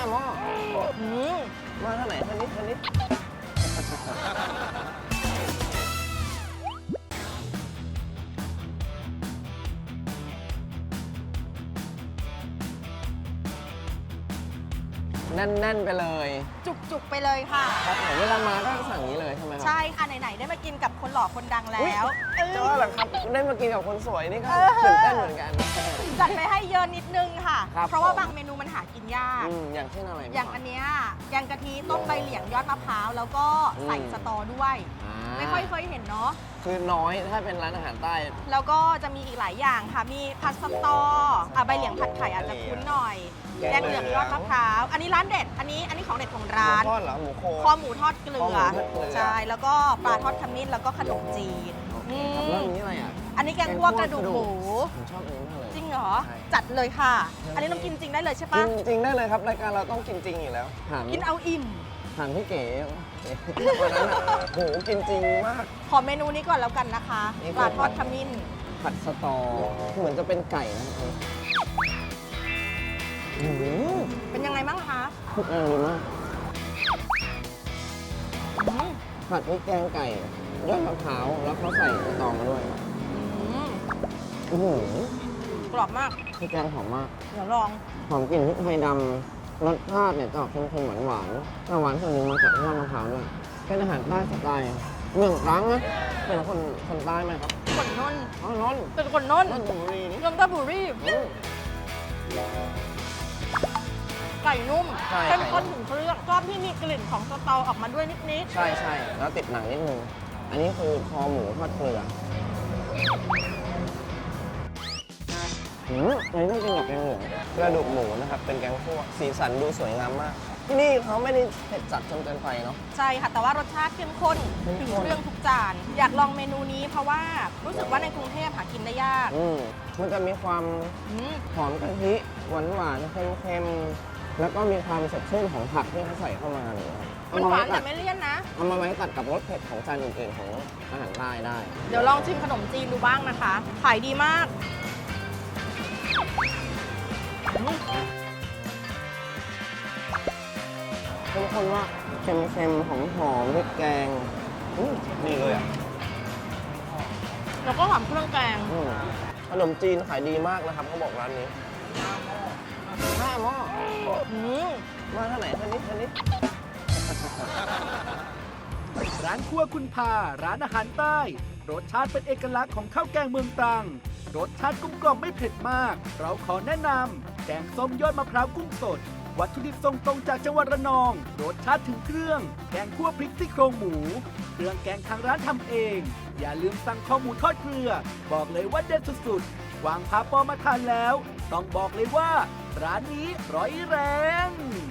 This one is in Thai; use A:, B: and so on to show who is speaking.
A: หม้อมาเท่าไหร่ท่านี้แน่นๆไปเลย
B: จุกๆไปเลยค่ะ
A: ครับผมเวลามาก็สั่งนี้เลยใช่ไหมครั
B: ใช่ค่ะไหนๆได้มากินกับคนหล่อคนดังแล้ว
A: จะว่าหรอครับได้มากินกับคนสวยนี่ก็ตื่นเต้นเหมือนกัน
B: จัดไปให้เยอะนิดนึงค่ะ
A: ครับ
B: เพราะว่าบางเมนูมันหากินยาก
A: อย่างเช่นอะไร
B: อย่างอันเนี้ยแกงกะทิต้มใบเหลียงยอดมะพร้าวแล้วก็ใส่สตอด้วย ไม่ค่อยเคยเห็นเนาะ
A: คือน้อยถ้าเป็นร้านอาหารใต้
B: แล้วก็จะมีอีกหลายอย่างค่ะ มีผัดสตอใบเหลียงผัดไข่อาจจะคุ้นหน่อย แกงเหลืองยอดมะพร้าว อันนี้ร้านเด็ด อันนี้ของเด็ดของ
A: หมู
B: ร้าน
A: ทอดเหรอหมูโค
B: คอหมูทอดเกลื
A: คอหมู
B: อ
A: ทอดเกลือ
B: ใช่ แล้วก็ปลาทอดขมิ้น แล้วก็ขนมจีน
A: ครับแล้วอันนี้อะไรอ่ะ
B: อันนี้แกงคั่วกระดูกหมู
A: ผมชอบอันนี้มากเลย
B: จริงเหรอ
A: ใช่
B: จัดเลยค่ะ อันนี้น้องกินจริงได้เลยใช่
A: กิ
B: ปะ
A: นจริงได้เลยครับรายการเราต้องกินจริงอยู่แล้วถาม
B: กินเอาอิ่ม
A: ถามพี่เก๋วันนั้นอ่ะโหกินจริงมาก
B: ขอเมนูนี้ก่อนแล้วกันนะคะ
A: นี่
B: ปลาทอดขมิ้น
A: ผัดสตอเหมือนจะเป็นไก่นะครับอืม
B: เป็นยังไงบ้างคะ
A: ดีมาก
B: อืม
A: ผัดพริกแกงไก่ยอดมะพร้าวแล้วเขาใส่สตอมาด้วย
B: อืม
A: อื้อหือก
B: รอบมาก
A: พริกแกงหอมมาก
B: เดี๋ยวลอง
A: หอมกลิ่นพริกไทยดำรสชาติเนี่ยจะออกเค็มๆหวานๆแต่หวานส่วนหนึ่งมาจากยอดมะพร้าวด้วยเป็นอาหารใต้สไตล์เมืองตรังนะเป็นคนใต้ไหมครับ
B: คนนน
A: อ๋อนนท์
B: เป็นคนนน
A: นนทบุรีนี่
B: ยมตาบุรีไก่นุ่ม
A: ใช่
B: เข้มข้นถึงเครื่องชอบที่มีกลิ่นของสตอออกมาด้วยนิด
A: ใช่แล้วติดหนังนิดนึงอันนี้คือคอหมูทอดเกลืออันนี้ต้องกินกับแกงเหลืองกระดูกหมูนะครับเป็นแกงคั่วสีสันดูสวยงามมากที่นี่เขาไม่ได้เผ็ดจัดจนเกินไปเนาะ
B: ๆ ใช่ค่ะ แต่ว่ารสชาติเข้มข้น
A: เข้ม
B: ถึง
A: ข้น
B: เครื่องทุกจาน อยากลองเมนูนี้เพราะว่ารู้สึกว่าในกรุงเทพหากินได้ยาก
A: มันจะมีความ
B: อืม
A: หอมกะทิหวานๆเค็มๆแล้วก็มีความสดชื่นของผักที่เขาใส่เข้ามาเนี่ยครับ
B: มันหวานแต่ไม่เลี่ยนนะ
A: เอามาไว้ตัดกับรสเผ็ดของจานอื่นๆของอาหารใต้ได้
B: เดี๋ยวลองชิมขนมจีนดูบ้างนะคะ ขายดีมากอืม
A: เข้มข้นว่าเค็มๆหอมๆพริกแกงดีเลยอ่ะ
B: แล้วก็หอมเครื่องแกง
A: ขนมจีนขายดีมากนะครับเขาบอกร้านนี้5 หม้อ
B: อืม
A: มาเท่าไหร่ท่านี้
C: ร้านครัวคุณพาร้านอาหารใต้ รสชาติเป็นเอกลักษณ์ของข้าวแกงเมืองตรัง รสชาติกลมกล่อมไม่เผ็ดมาก เราขอแนะนำแกงส้มยอดมะพร้าวกุ้งสด วัตถุดิบส่งตรงจากจังหวัดระนอง รสชาติถึงเครื่อง แกงคั่วพริกซี่โครงหมู เครื่องแกงทางร้านทำเอง อย่าลืมสั่งข้าวหมูทอดเกลือ บอกเลยว่าเด็ดสุดๆวางพาปอมาทานแล้ว ต้องบอกเลยว่า ร้านนี้ร้อยแรง